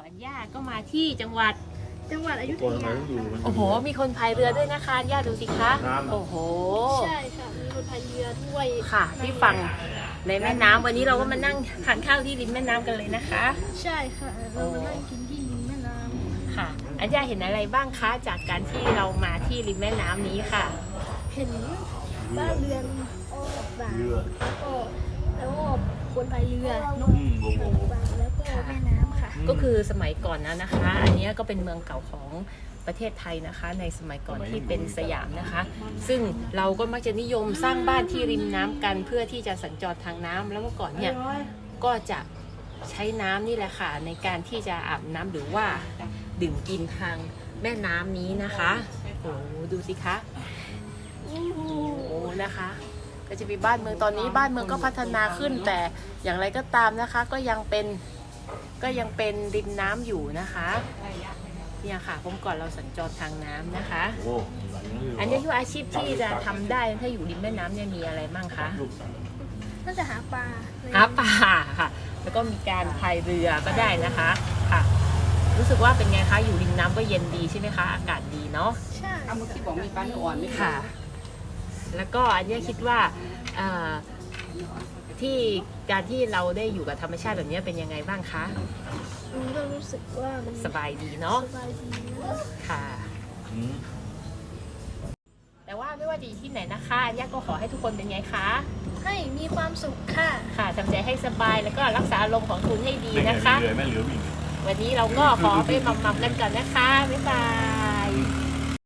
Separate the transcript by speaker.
Speaker 1: อัญญาก็มาที่จังหวัด
Speaker 2: อยุธยา
Speaker 1: โอ้โหมีคนพายเรือด้วยนะคะอัญญาดูสิคะโอ้โห
Speaker 2: ใช่ค่ะมีคนพายเรือด้วย
Speaker 1: ค่ะที่ฝั่งในแม่น้ำวันนี้เราก็มานั่งทานข้าวที่ริมแม่น้ำกันเลยนะคะ
Speaker 2: ใช่ค่ะเรามานั่งกินที่ริมแม่น้
Speaker 1: ค่ะอัญญาเห็นอะไรบ้างคะจากการที่เรามาที่ริมแม่น้ำนี้ค่ะ
Speaker 2: ำเห็นบ้านเรือนต่างๆแล้วก็คนพายเรือนกต่างๆแล้วก็แม่น้ำค่ะ
Speaker 1: ก็คือสมัยก่อนนะคะ อันนี้ก็เป็นเมืองเก่าของประเทศไทยนะคะ ในสมัยก่อนที่เป็นสยามนะคะ ซึ่งเราก็มักจะนิยมสร้างบ้านที่ริมน้ำกันเพื่อที่จะสัญจรทางน้ำแล้วเมื่อก่อนเนี่ยก็จะใช้น้ำนี่แหละค่ะในการที่จะอาบน้ำหรือว่าดื่มกินทางแม่น้ำนี้นะคะโอ้ดูสิคะโอ้นะคะ ก็จะมีบ้านเมืองตอนนี้บ้านเมืองก็พัฒนาขึ้นแต่อย่างไรก็ตามนะคะก็ยังเป็นริมน้ำอยู่นะคะเนี่ยค่ะผมก่อนเราสัญจรทางน้ำนะคะอันนี้คืออาชีพที่จะทำได้ถ้าอยู่ริมแม่น้ำเนี่ยมีอะไรบ้างคะ
Speaker 2: น่าจะหาปลา
Speaker 1: หาปลาค่ะแล้วก็มีการพายเรือก็ได้นะคะค่ะรู้สึกว่าเป็นไงคะอยู่ริมน้ำก็เย็นดีใช่ไหมคะอากาศดีเนาะ
Speaker 2: ใช่
Speaker 3: เอาเมื่อกี้บอกมีปลาเนื้ออ่อนไหม
Speaker 1: ค่ะ แล้วก็อันนี้คิดว่าที่การที่เราได้อยู่กับธรรมชาติแบบนี้เป็นยังไงบ้างคะ
Speaker 2: ก็รู้สึกว่ามัน
Speaker 1: สบายดีเนาะ
Speaker 2: สบายดีนะ
Speaker 1: ค่ะ แต่ว่าไม่ว่าจะอยู่ที่ไหนนะคะอันนี้ก็ขอให้ทุกคนเป็นไงคะ
Speaker 2: ให้มีความสุขค่ะ
Speaker 1: ค่ะทำใจให้สบายแล้วก็รักษาอารมณ์ของคุณให้ดีนะคะ
Speaker 4: เรือแม่เรือวิ่ง
Speaker 1: วันนี้เราก็ขอไปหม่ำๆกันก่อนนะคะบ๊ายบาย